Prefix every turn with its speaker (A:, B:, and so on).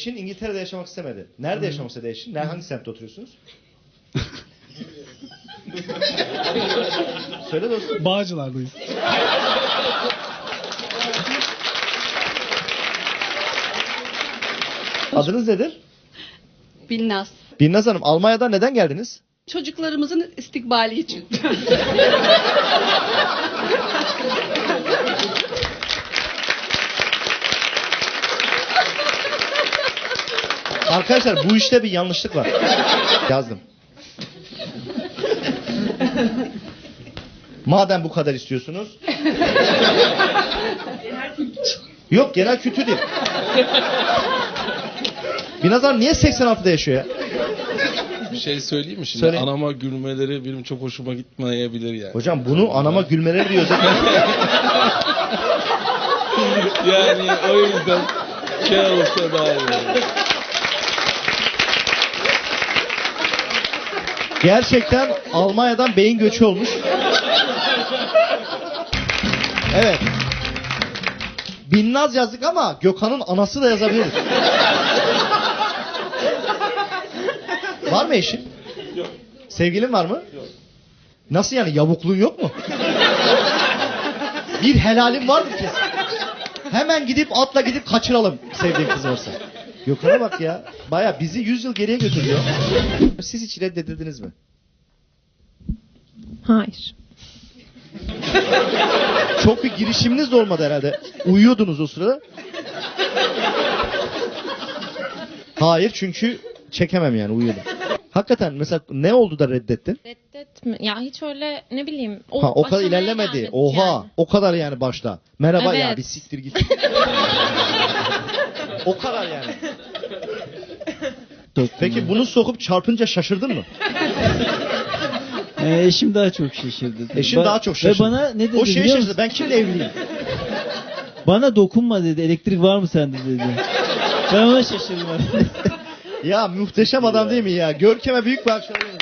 A: Eşin İngiltere'de yaşamak istemedi. Nerede yaşamak istedi eşin? Hangi semtte oturuyorsunuz? Söyle dostum.
B: Bağcılar'dayız.
A: Adınız nedir?
C: Binnaz.
A: Binnaz Hanım, Almanya'dan neden geldiniz?
C: Çocuklarımızın istikbali için.
A: Arkadaşlar bu işte bir yanlışlık var. Yazdım. Madem bu kadar istiyorsunuz. Yok, genel kültür değil. Binnaz Hanım niye 86'da yaşıyor ya?
D: Bir şey söyleyeyim mi şimdi?
A: Söyle.
D: Anama gülmeleri benim çok hoşuma gitmeyebilir yani.
A: Hocam bunu anama gülmeleri diyor zaten.
D: Yani o yüzden şey olsa daha iyi olur.
A: Gerçekten Almanya'dan beyin göçü olmuş. Evet. Binnaz yazdık ama Gökhan'ın anası da yazabiliriz. Var mı eşin?
D: Yok.
A: Sevgilin var mı?
D: Yok.
A: Nasıl yani, yavukluğun yok mu? Bir helalin vardır kesin. Hemen gidip atla gidip kaçıralım sevdiğin kız varsa. Gökhan'a bak ya. Baya bizi 100 yıl geriye götürüyor. Siz hiç reddedildiniz mi?
E: Hayır.
A: Çok bir girişiminiz de olmadı herhalde. Uyuyordunuz o sırada. Hayır, çünkü çekemem yani, uyuyordum. Hakikaten mesela ne oldu da reddettin?
E: Reddetme. Ya hiç öyle ne bileyim.
A: Ha, o kadar
E: aşamaya
A: ilerlemedi.
E: gelmedik
A: Oha.
E: yani.
A: O kadar yani başta. Merhaba ya,
E: Evet.
A: bir siktir git. O kadar yani. Peki bunu sokup çarpınca şaşırdın mı?
F: Eşim daha çok şaşırdı.
A: Eşin daha çok şaşırdı.
F: Ve bana ne dedi
A: O şeye
F: biliyor
A: şaşırdı.
F: musun?
A: Ben kimle evliyim?
F: Bana dokunma dedi. Elektrik var mı sende dedi. Ben ona şaşırdım.
A: Ya muhteşem adam değil mi ya? Görkem'e büyük bir alkışlar.